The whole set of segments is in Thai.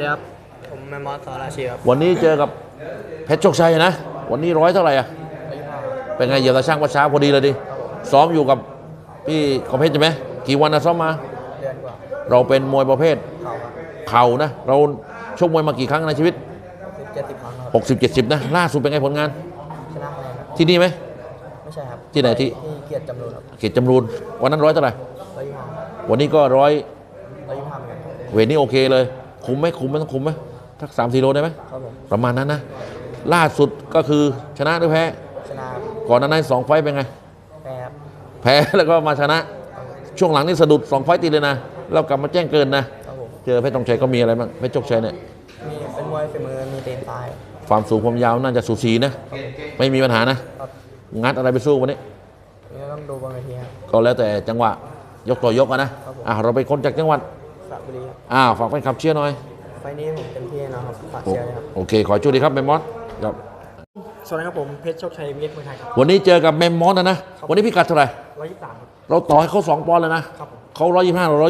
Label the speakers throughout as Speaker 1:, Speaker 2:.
Speaker 1: ดีครับผมแมมมอสสอราชีครับ
Speaker 2: วันนี้เจอกับเพชรโชคชัยนะวันนี้ร้อยเท่าไหร่อ่ะเป็นไงเหยียบตาช่างว่าเช้าพอดีเลยดิซ้อมอยู่กับพี่ของเพชรใช่ไหมกี่วันนะซ้อมมา
Speaker 1: เดือนกว่า
Speaker 2: เราเป็นมวยประเภท
Speaker 1: เข่าครับ
Speaker 2: เข่านะเราชกมวยมากี่ครั้งในชีวิต
Speaker 1: 70 ครั้งครับ
Speaker 2: 60-70นะล่าสุดเป็นไงผลงาน
Speaker 1: ชนะคะแนนครับ
Speaker 2: ที่นี่ไหม
Speaker 1: ไม่ใช่ครับ
Speaker 2: ที่ไหนที่
Speaker 1: เกียรติจำรูนครับ
Speaker 2: เขตจำรูนวันนั้นร้อยเท่าไหร่
Speaker 1: 125
Speaker 2: วันนี้ก็ร้อย
Speaker 1: 125เหมือนกัน
Speaker 2: เวทนี้โอเคเลยคุมไหมต้องคุมไหมทัก3-4 โลได้ไหม
Speaker 1: ครับผม
Speaker 2: ประมาณนั้นนะล่าสุดก็คือชนะหรือแพ้
Speaker 1: ชนะ
Speaker 2: ก่อนหน้านั้น2 ไฟต์เป็นไง
Speaker 1: แพ้ครับ
Speaker 2: แพ้แล้วก็มาชนะช่วงหลังนี่สะดุด2 ไฟต์ติดเลยนะแล้วกลับมาแจ้งเกินนะครับ
Speaker 1: ผม
Speaker 2: เจอเพชรธงชัยก็มีอะไรบ้างเพชรโชคชัยเนี่ย
Speaker 1: มีเป็นมวยฝีมือมีเตนซ้าย
Speaker 2: ความสูงความยาวน่าจะสูสีนะไม่มีปัญหานะครับงัดอะไรไปสู้วันนี้
Speaker 1: นี่ต้องดูบนเวทีครับ
Speaker 2: ก็แล้วแต่จังหวะยกต่อยกนะเราเป็นคนจากจังหวัด
Speaker 1: สระบุรีครับ
Speaker 2: ฝากแฟนคลับเชียร์หน่อย
Speaker 1: ไฟนี้ผมเต็มที่นะครับฝากเชียร์เลยครับ
Speaker 2: โอเคขอช่วยดีครับแมมมอสครับ
Speaker 1: สวัสดีครับผมเพชรโชคชัยวิทย์มวยไทยครับ
Speaker 2: วันนี้เจอกับแมมมอสนะวันนี้พิกัดเท่าไหร่
Speaker 1: 123ครับ
Speaker 2: เราต่อให้เขา2 ปอนด์เลยนะครับเขา125เรา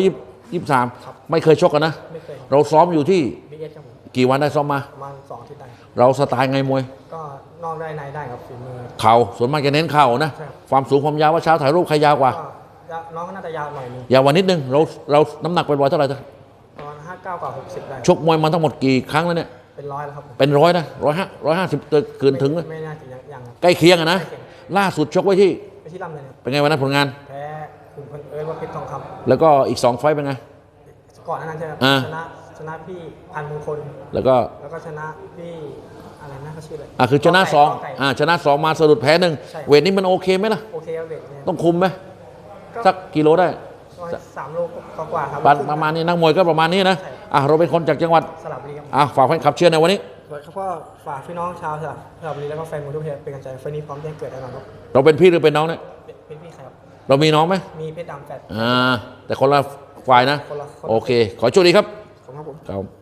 Speaker 2: 123ไม่เคยชกกันนะ
Speaker 1: ไม่เคย
Speaker 2: เราซ้อมอยู่ที่
Speaker 1: บิ๊กเอสครับผม
Speaker 2: กี่วันได้ซ้อมมา
Speaker 1: ประมาณ2 อาทิตย์ได้
Speaker 2: เราสไตล์ไงมวย
Speaker 1: ก็นอกได้ในได้ครับฝีมือ
Speaker 2: เข่าส่วนมากจะเน้นเข่านะความสูงความยาวว่าเช้าถ่ายรูปใครยาวกว่า
Speaker 1: น้องก็น่าจะยาวหน่อยนึง
Speaker 2: ยาวกว่านิดนึงเราน้ำหนักเป็นร้อยเท่าไหร่
Speaker 1: ประมาณ59 กว่า 60ได้
Speaker 2: ชกมวยมาทั้งหมดกี่ครั้งแล้วเนี่ย
Speaker 1: เป็น100แล้วครับ
Speaker 2: เป็น100นะ150เกินถึง
Speaker 1: ไม่น่าจะยัง
Speaker 2: ใกล้เคียงนะล่าสุดชกไว้ที่
Speaker 1: ไปที่ลำเลย
Speaker 2: เป็นไงวันนั้นผลงาน
Speaker 1: แพ้ขุนพลว่าเพชรทองคำ
Speaker 2: แล้วก็อีก2 ไฟต์เป็นไง
Speaker 1: ก่อนนั้นใช่ไหมชนะพี่พันมงคล
Speaker 2: แล้วก็
Speaker 1: ชนะพี่อะไรนะเขาชื่ออะไร
Speaker 2: คือชนะ2ชนะ2มาสะดุดแพ้1เวทนี้มันโอเคไหมล่ะ
Speaker 1: โอเคเวท
Speaker 2: ต้องคุมไหมสักกิโลได้
Speaker 1: 3 โลกว่าครับ
Speaker 2: ประมาณนี้นักมวยก็ประมาณนี้นะเราเป็นคนจากจังหวัด
Speaker 1: สระบุรีครับ
Speaker 2: ฝากแฟนคลับเชียร์ในวันนี้
Speaker 1: ครับก็ฝากพี่น้องชาวสระบุรีแล้วก็แฟนมวยทุกเพศเป็นกำลังใจไฟนี้พร้อมแจ้งเกิดแน่นอนครับ
Speaker 2: เราเป็นพี่หรือเป็นน้องเนี่ย
Speaker 1: เป็นพี่ครับ
Speaker 2: เรามีน้องไหม
Speaker 1: มีเพชรดำแฟด
Speaker 2: แต่คนละฝ่ายนะโอเคขอโชคดีครับ
Speaker 1: ขอบคุณครับผม
Speaker 2: ครับ